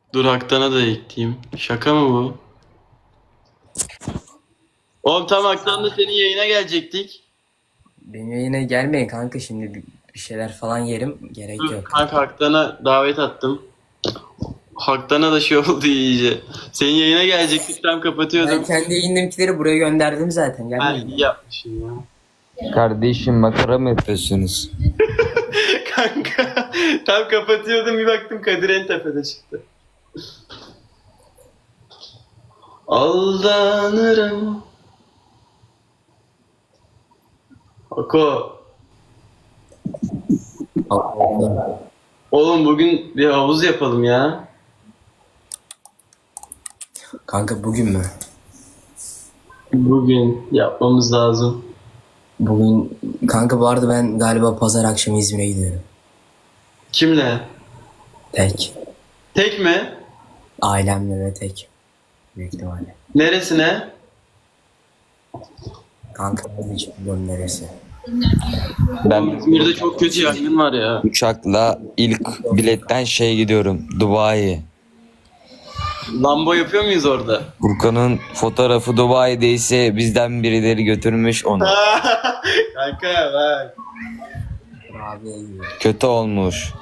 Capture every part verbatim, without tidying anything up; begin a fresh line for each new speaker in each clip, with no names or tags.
Dur Haktan'a da ekleyeyim. Şaka mı bu? Oğlum tam Haktan'da senin yayına gelecektik.
Benim yayına gelmeyin kanka, şimdi bir, bir şeyler falan yerim, gerek
Dur
yok.
kanka Haktan'a davet attım. Haktan'a da şey oldu iyice. Senin yayına gelecektik tam kapatıyordum.
Ben kendi yayınımkileri buraya gönderdim zaten,
Ha,
gelmeyin.
iyi yapmışsın ya.
Kardeşim makara mı yapıyorsunuz?
Kanka tam kapatıyordum bir baktım Kadir en tepede çıktı. Aldanırım. Ako. Oğlum bugün bir havuz yapalım ya.
Kanka bugün mü?
Bugün yapmamız lazım.
Bugün kanka bu arada ben galiba pazar akşamı İzmir'e gidiyorum.
Kimle?
Tek.
Tek mi?
Ailemle ve tek. Büyük ihtimalle.
Neresine?
Kanka ben hiç bilmiyorum neresi.
Ben
İzmir'de çok kötü yangın var ya.
uçakla ilk biletten şey gidiyorum. Dubai.
Lambo yapıyor muyuz orada?
Furkan'ın fotoğrafı Dubai'deyse bizden birileri götürmüş onu.
Kanka bak.
Abiye gidiyorum.
Kötü olmuş.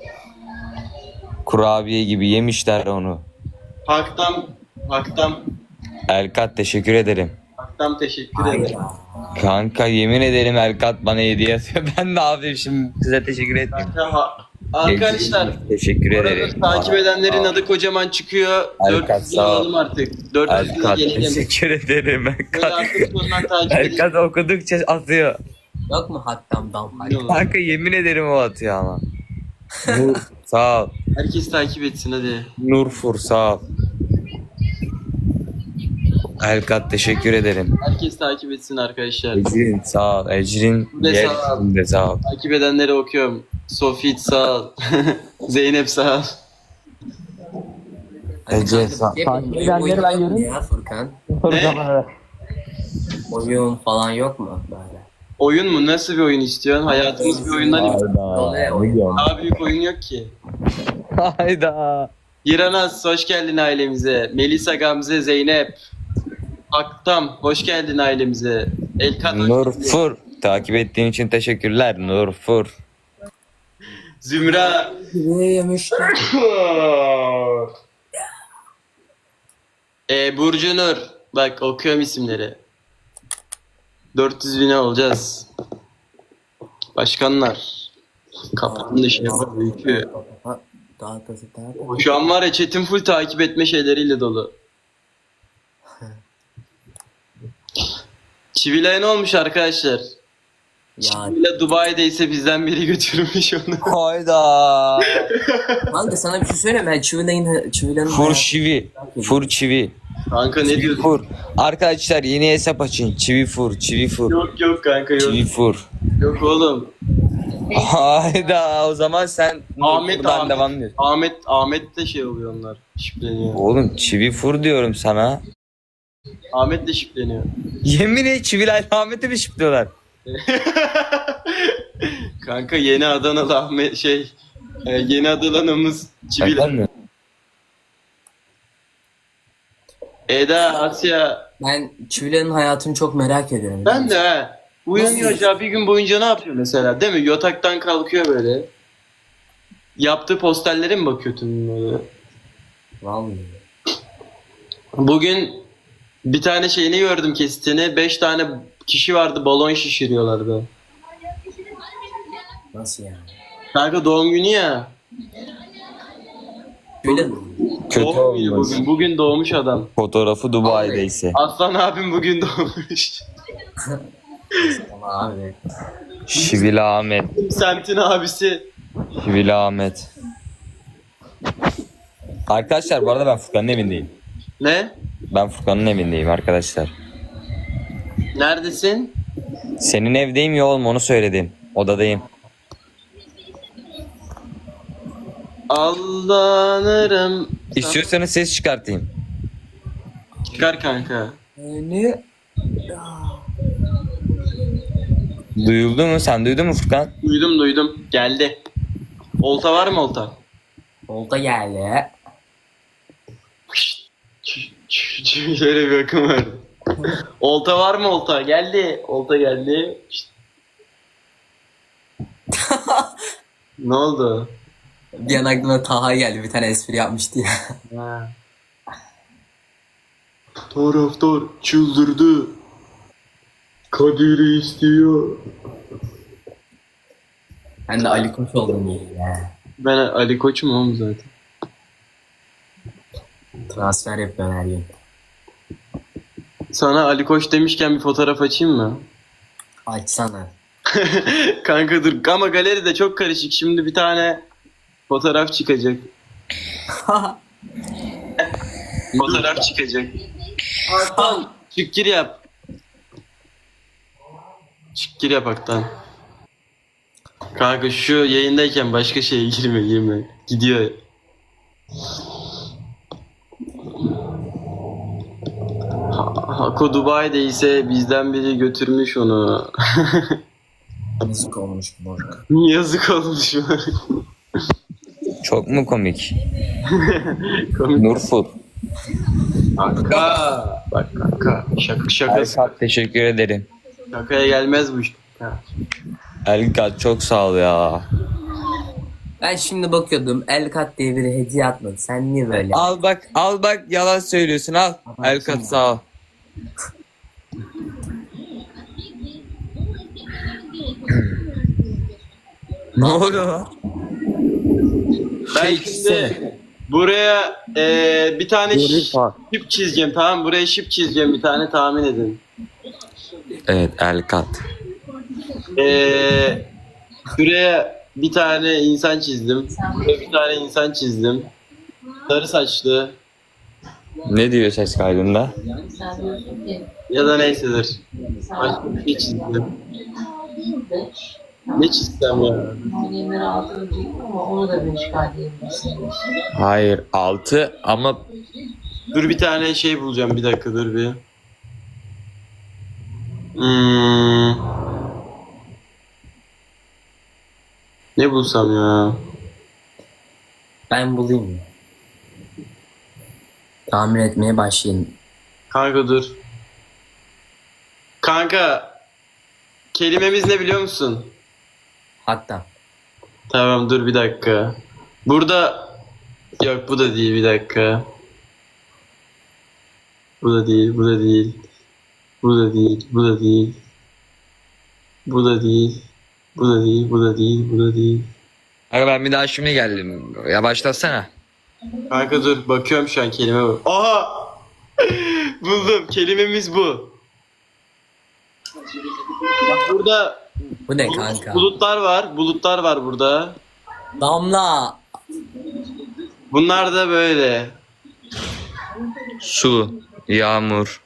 Kurabiye gibi yemişler onu.
Haktan, Haktan,
Elkat teşekkür ederim.
Haktan teşekkür ederim.
Hayda.
Kanka yemin ederim Elkat bana hediye atıyor. Ben ne yapayım şimdi size teşekkür etmeyeyim.
Kanka, ha- arkadaşlar
Teşekkür
bu arada
ederim.
takip edenlerin adı kocaman çıkıyor.
Erkat,
dört yüz bin
sağ ol.
alalım artık. dört yüz bin
Elkat
gelelim.
teşekkür ederim.
Böyle
Elkat.
artık sonundan takip edin.
Elkat okudukça atıyor.
Yok mu hattam dam?
Kanka yemin ederim o atıyor ama. Nur sağ ol.
Herkes takip etsin hadi.
Nurfur sağ ol. Elkat teşekkür ederim.
Herkes takip etsin arkadaşlar.
Ecrin sağ ol. Ecrin
Bu da
gel.
sağ ol.
Bu da sağ ol.
Takip edenleri okuyorum. Sofit sağ ol. Zeynep sağ ol.
Ece sağ ol.
Takip edenleri ben görüyorum. Ya Furkan.
Ne?
Oyun falan yok mu böyle?
Oyun mu? Nasıl bir oyun istiyorsun? Hayatımız bir oyundan ibaret.
Oluyor oyun.
Daha büyük oyun yok ki.
Hayda.
Giranaz hoş geldin ailemize. Melisa Gamze Zeynep. Aktam hoş geldin ailemize. Elkan hoş geldin.
Nurfur takip ettiğin için teşekkürler Nurfur.
Zümra.
Ne yemişler?
e, Burcu Nur. Bak okuyorum isimleri. dört yüz bine olacağız. Başkanlar. Kapının dışı yapar büyükü.
Daha kasıt daha
Şu an var ya chat'in full takip etme şeyleriyle dolu. Çivilay ne olmuş arkadaşlar?
Ya
Çivilay Dubai'deyse bizden biri götürmüş onu.
Hayda.
kanka sana bir şey söyleyeyim, ben Çivilay'ın Çivilay'ın
Fur çivi. Fur çivi.
Kanka ne diyorsun?
Fur. Arkadaşlar yeni hesap açın. Çivi fur. Çivi fur.
Yok yok kanka yok.
Çivi fur.
Yok oğlum.
Hayda o zaman sen
Ahmet
Nurfur'dan
Ahmet.
devam ediyorsun.
Ahmet Ahmet de şey oluyor onlar. Şipleniyor.
Oğlum çivi fur diyorum sana.
Ahmet de şipleniyor.
Yemin et çiviler Ahmet'i mi şıplıyorlar?
Kanka yeni Adanalı Ahmet şey e, yeni Adanalımız Çivilay.
Efendim?
Eda, Asya.
Ben Çivilay'ın hayatını çok merak ediyorum.
Ben de ha. Uyanıyor ya bir gün boyunca ne yapıyor mesela değil mi? Yataktan kalkıyor böyle. Yaptığı posterlere mi bakıyor tüm böyle?
Vallahi.
Bugün bir tane şeyini gördüm kesitini. Beş tane kişi vardı balon şişiriyorlardı.
Nasıl yani?
Kanka doğum günü ya.
Şöyle mi?
Kötü
Doğum günü
olmuş.
bugün. Bugün doğmuş adam.
Fotoğrafı Dubai'deyse.
Aslan abim bugün doğmuş.
Ama abi.
Şivili Ahmet.
Semtin abisi.
Şivili Ahmet. Arkadaşlar bu arada ben Furkan'ın evindeyim.
Ne?
Ben Furkan'ın evindeyim arkadaşlar.
Neredesin?
Senin evdeyim ya oğlum onu söyledim. Odadayım.
Aldanırım.
İstiyorsanız ses çıkartayım.
Çıkar kanka.
Ne?
Duyuldu mu? Sen duydun mu Furkan?
Duydum duydum. Geldi. Olta var mı olta?
Olta geldi.
Şöyle bir akım vardı. Olta var mı olta? Geldi. Olta geldi. Ne oldu?
Bir an aklıma Taha geldi. Bir tane espri yapmıştı ya.
Ha. Taraftar çıldırdı. Kadir'i istiyor.
Ben de Ali Koç oldum iyi ya.
Ben Ali Koç'um oğlum zaten.
Transfer yapıyorum her gün.
Sana Ali Koç demişken bir fotoğraf açayım mı?
Açsana.
Kanka dur ama galeri de çok karışık. Şimdi bir tane fotoğraf çıkacak. Fotoğraf çıkacak. Hakan çık gir yap. Çık gir yap Haktan. Kanka şu yayındayken başka şeye girme girme. Gidiyor. Ha- Hako Dubai'de ise bizden biri götürmüş onu.
Müzik olmuş moruk.
Yazık olmuş.
Çok mu komik?
Komik.
Nurfur.
Kanka. Bak kanka. Şaka şakası.
Elkat teşekkür ederim.
Şakaya gelmez bu iş. Ha.
Elkat çok sağ ol ya.
Ben şimdi bakıyordum. Elkat diye biri hediye atmadı. Sen niye böyle?
Al bak al bak yalan söylüyorsun al. Elkat sağ ol. Ne oluyor lan?
Ben
Şey
şimdi
çizsene.
buraya eee, bir tane
Dur,
ş-
bak.
şip çizeceğim, tamam mı? Buraya şip çizeceğim, bir tane tahmin edin.
Evet Elkat.
Eee şuraya bir tane insan çizdim. Buraya bir tane insan çizdim. Sarı saçlı
Ne diyor ses kaydında?
Sen diyorsun ki
ya da neysedir.
sen
Başka bir şey çizdim.
de
Ne çizsem ya?
Yemleri altı ölecektim ama onu da bir işgal diyebilirsin.
Hayır altı ama
Dur bir tane şey bulacağım, bir dakika dur bir. Hmm. Ne bulsam ya?
Ben bulayım. Tahmin etmeye başlayayım.
Kanka dur. Kanka kelimemiz ne biliyor musun?
Hatta.
Tamam dur bir dakika. Burada yok, bu da değil, bir dakika. Bu da değil, bu da değil. Bu da değil, bu da değil. Bu da değil. Bu da değil, bu da değil, bu da değil.
Aga ben bir daha şimdi geldim. Ya başlasana.
Kanka dur bakıyorum şu an kelime bu. Aha! Buldum. Kelimemiz bu. Bak burada
Bu ne
bulut-
kanka?
bulutlar var. Bulutlar var burada.
Damla.
Bunlar da böyle.
Su, yağmur,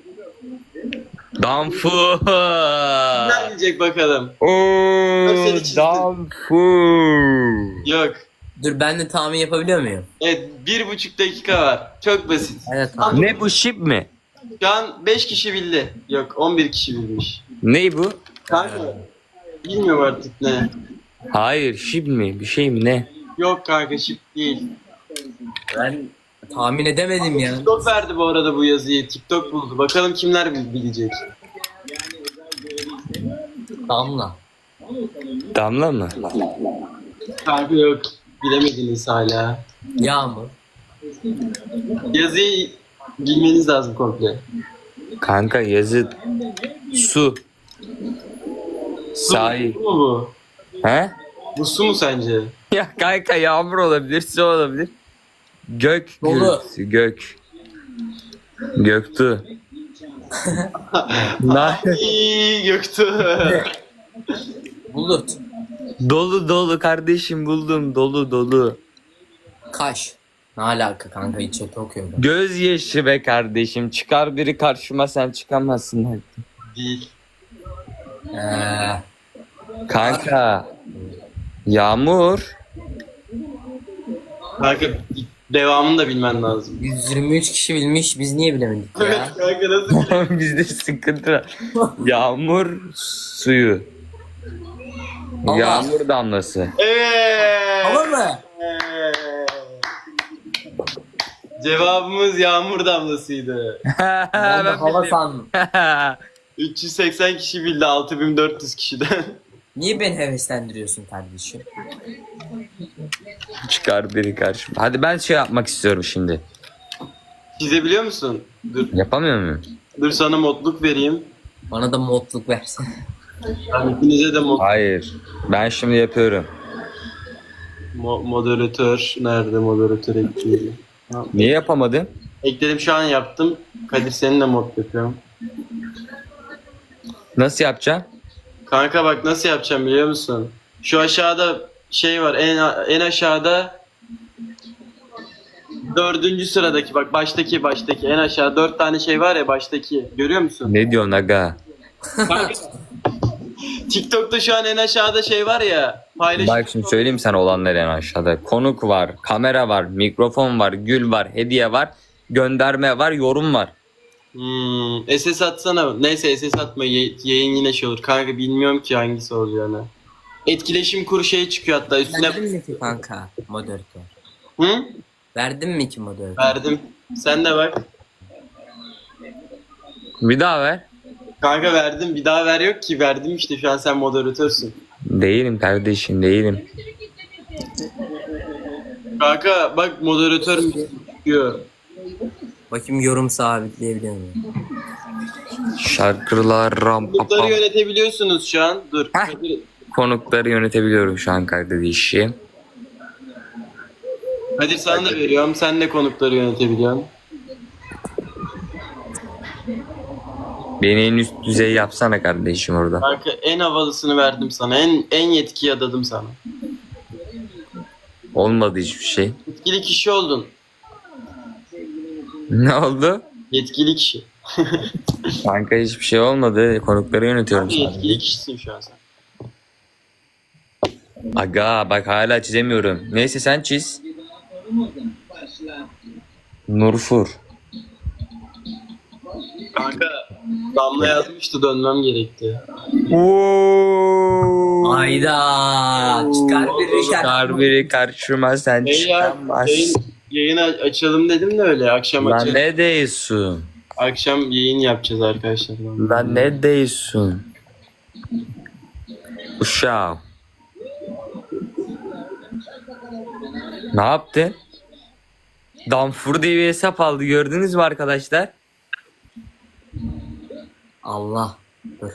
damfur.
Ne diyecek bakalım?
Oo,
seni çizdim.
damfur.
Yok.
Dur ben de tahmin yapabiliyor muyum?
Evet, bir buçuk dakika var. Çok basit.
Evet tahmin.
Ne bu şip mi?
Şu an beş kişi bildi. Yok, on bir kişi bilmiş.
Ne bu?
Kanka bilmiyorum artık ne.
Hayır şip mi? Bir şey mi ne?
Yok kanka, şık değil.
Ben tahmin edemedim ya.
TikTok verdi bu arada bu yazıyı. TikTok buldu. Bakalım kimler bil- bilecek.
Damla.
Damla mı?
Kanka yok. Bilemediniz hala.
Yağmur.
Yazıyı bilmeniz lazım komple.
Kanka yazı su.
Su,
Sahi.
su mu bu?
He?
Bu su mu sence?
Ya kanka yağmur olabilir, su olabilir. Gök
Dolu.
gürültüsü, gök. Göktuğ. Na-
Ay, Göktuğ.
Bulut.
dolu dolu kardeşim buldum dolu dolu.
Kaş. Ne alaka kanka, hiç chat okuyordum.
Gözyaşı be kardeşim, çıkar biri karşıma sen çıkamazsın hadi.
Değil.
Eee.
Kanka. Yağmur.
Kanka devamını da bilmen lazım.
yüz yirmi üç kişi bilmiş, biz niye bilemedik
Evet
ya?
kanka, nasıl?
Bizde sıkıntı var. Yağmur suyu.
Allah.
Yağmur damlası.
Evet.
Hava mı?
Cevabımız yağmur damlasıydı.
Ben de hava sandım.
üç yüz seksen kişi bildi altı bin dört yüz kişiden.
Niye beni heveslendiriyorsun kardeşim?
Çıkar biri karşıma. Hadi ben şey yapmak istiyorum şimdi.
Çizebiliyor musun? Dur,
Yapamıyor muyum?
dur sana modluk vereyim.
Bana da modluk versen.
Ben ikinize de mod
Hayır. Ben şimdi yapıyorum.
mo- moderatör. Nerede moderatör ekleyelim?
Niye yapamadın?
Ekledim şu an yaptım. Kadir senin de mod yapıyorum.
Nasıl yapacağım?
Kanka bak nasıl yapacağım biliyor musun? Şu aşağıda şey var en en aşağıda dördüncü sıradaki bak baştaki baştaki en aşağı dört tane şey var ya baştaki görüyor musun?
Ne diyorsun aga?
Kanka, TikTok'ta şu an en aşağıda şey var ya paylaşım.
Bak şimdi söyleyeyim sana olanları en aşağıda. Konuk var, kamera var, mikrofon var, gül var, hediye var, gönderme var, yorum var.
Hmm, S S atsana. Neyse S S atma Ye- yayın yine şey olur. Kanka bilmiyorum ki hangisi olacağını. Etkileşim kuru şey çıkıyor hatta üstüne.
Verdin mi ki kanka moderatör?
Hı?
Verdin mi ki moderatör?
Verdim. Sen de bak.
Bir daha ver.
Kanka verdim. Bir daha ver yok ki. Verdim işte şu an sen moderatörsün.
Değilim kardeşim, değilim.
Kanka bak moderatör mü çıkıyor.
Bakayım yorum sabitleyebiliyor muyum?
Şarkılar, ram,
Konukları
pam.
yönetebiliyorsunuz şu an. Dur.
Heh.
Kadir,
Konukları yönetebiliyorum şu an kardeşim.
Kadir sana da veriyorum. Sen de konukları yönetebiliyorsun.
Beni en üst düzey yapsana kardeşim orada.
Kanka en havalısını verdim sana. En en yetkiyi adadım sana.
Olmadı hiçbir şey.
Yetkili kişi oldun.
Ne oldu?
Yetkili kişi.
Kanka hiçbir şey olmadı. Konukları yönetiyorum
Kanka
sadece.
yetkili kişisin şu an sen.
Aga bak hala çizemiyorum. Neyse sen çiz. Nurfur.
Kanka Damla yazmıştı dönmem gerekti.
Ayda çıkar bir şarkı.
Çıkar biri karşıma sen
Hey ya,
çıkamaz.
yayın, yayın a- açalım dedim de öyle akşam
Lan
açalım.
ne diyorsun?
Akşam yayın yapacağız arkadaşlar.
Lan ne diyorsun? Uşağım. Ne yaptın? Damfur diye bir hesap aldı gördünüz mü arkadaşlar?
Allah. Dur.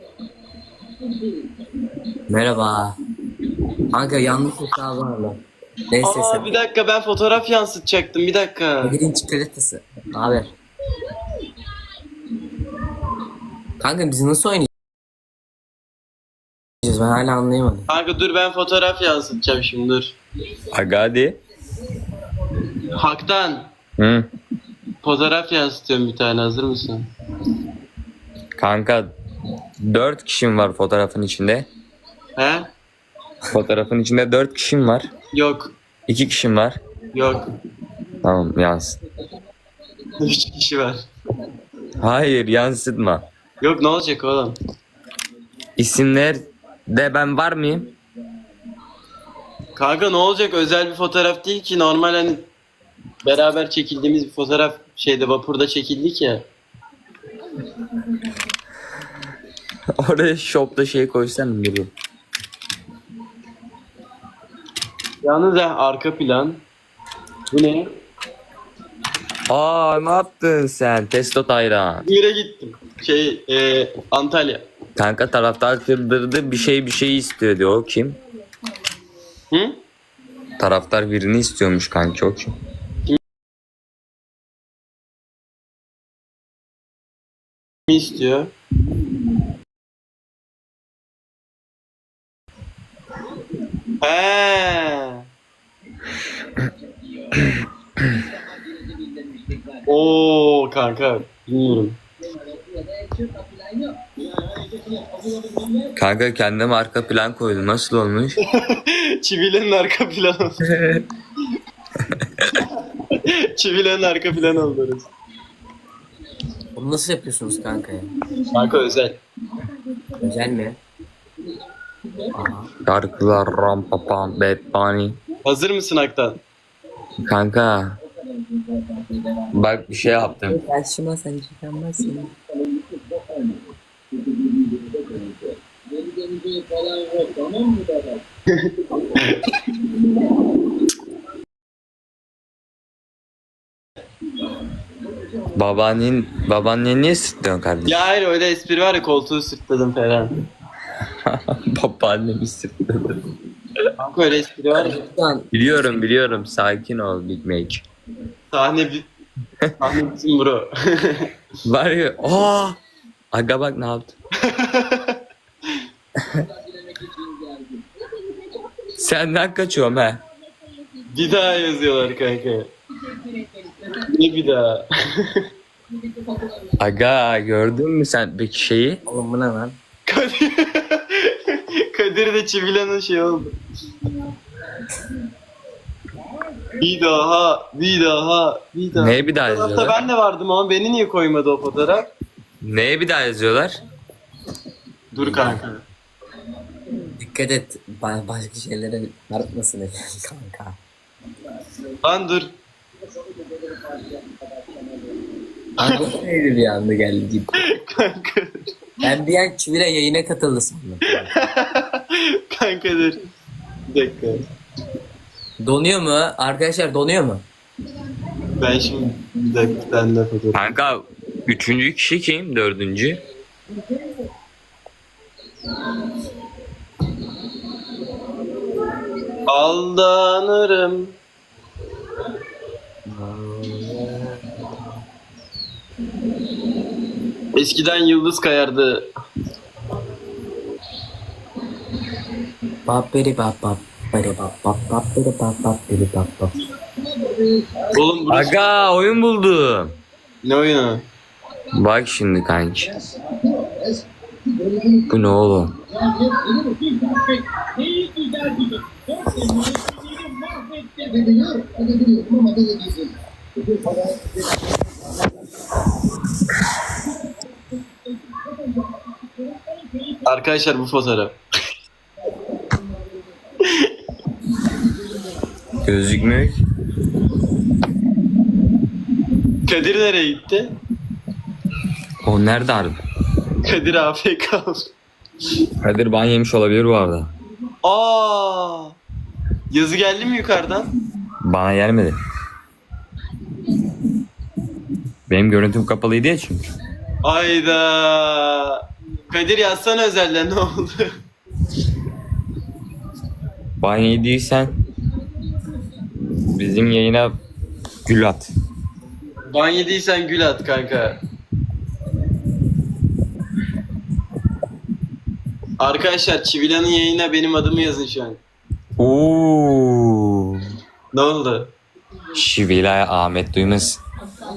Merhaba. Kanka yanlış hesabı aldım. Neyse
Aa
sen.
bir dakika ben fotoğraf yansıtacaktım bir dakika.
Birinci çikolatası. Ne haber? Kanka biz nasıl oynayacağız? Ben hala anlayamadım.
Kanka dur ben fotoğraf yansıtacağım şimdi dur.
Aga hadi.
Haktan
Hı.
fotoğraf yansıtıyorum bir tane hazır mısın?
Kanka dört kişim var fotoğrafın içinde.
He?
Fotoğrafın içinde dört kişim var.
Yok.
iki kişim var.
Yok.
Tamam yansıt.
Üç kişi var.
Hayır yansıtma.
Yok ne olacak oğlum?
İsimler de ben var mıyım?
Kanka ne olacak özel bir fotoğraf değil ki normal hani beraber çekildiğimiz bir fotoğraf şeyde vapurda çekildik ya.
Oraya shop'ta şey koysan gibi.
Yalnız ha arka plan. Bu ne?
Aa ne yaptın sen? Testo Tayran.
İzmir'e gittim. Şey e, Antalya.
Kanka taraftar kırdırdı bir şey bir şey istiyor diyor. O kim?
Hı?
Taraftar birini istiyormuş kanki o kim?
Ne istiyor? He. Oo kanka bilmiyorum.
Kanka kendime arka plan koydum. Nasıl olmuş?
Çivilerin arka planı. Çivilerin arka planı oldu orası.
Bunu nasıl yapıyorsunuz kanka ya?
Kanka özel.
Özel mi? Aha.
Şarkılar ram papam bad bunny.
Hazır mısın Aktan?
Kanka Bak bir şey yaptım.
Karşıma sen çıkamazsın.
Babaannen, babaannen niye sırtlıyorsun kardeşim?
Ya hayır öyle espri var ya koltuğu sırtladım falan.
Babaannemi sırtladı.
Kanka öyle espri var ya.
Şu an
Biliyorum biliyorum. Sakin ol Big Mac.
Sahne bi- Sahne bizim bro.
Var ya. Aa! Aga bak ne yaptı? Senden kaçıyorum he.
Bir daha yazıyorlar kanka. Ne bir daha?
Aga gördün mü sen peki şeyi?
oğlum bu ne lan?
Kadir, Kadir de Çivilan'ın şey oldu. Bir daha, bir daha, bir daha.
Neye bir daha
Hatta
yazıyorlar?
ben de vardım ama beni niye koymadı o fotoğraf?
Neye bir daha yazıyorlar?
Dur kanka.
Dikkat et ba- başka şeylere çarpmasın kanka.
Lan dur.
Kanka neydi bir anda geldi gibi.
Kanka.
Ben bir an Çivile yayına katıldı sandım.
Kanka dur. Bir dakika.
Donuyor mu? Arkadaşlar donuyor mu?
Ben şimdi bir dakika bir tane daha fotoğraf.
Kanka üçüncü kişi kim? Dördüncü?
Aldanırım. Eskiden yıldız kayardı.
Paperi pap pap peri pap pap paperi pap pap peri pap pap.
Oğlum burası
Aga oyun buldum.
ne oyunu?
Bak şimdi kanki. Bu ne oğlum?
Arkadaşlar bu fotoğraf.
Gözükmüyor ki.
Kadir nereye gitti?
O nerede harbi?
Kadir A F K.
Kadir ban yemiş olabilir bu arada.
Aa! Yazı geldi mi yukarıdan?
Bana gelmedi. Benim görüntüm kapalıydı ya çünkü.
Ayda. Kadir yazsana özelden ne oldu?
Ban yediysen bizim yayına gül at.
Ban yediysen gül at kanka. Arkadaşlar Çivilan'ın yayına benim adımı yazın şu an.
Oo.
Ne oldu?
Şivilay Ahmet duymasın.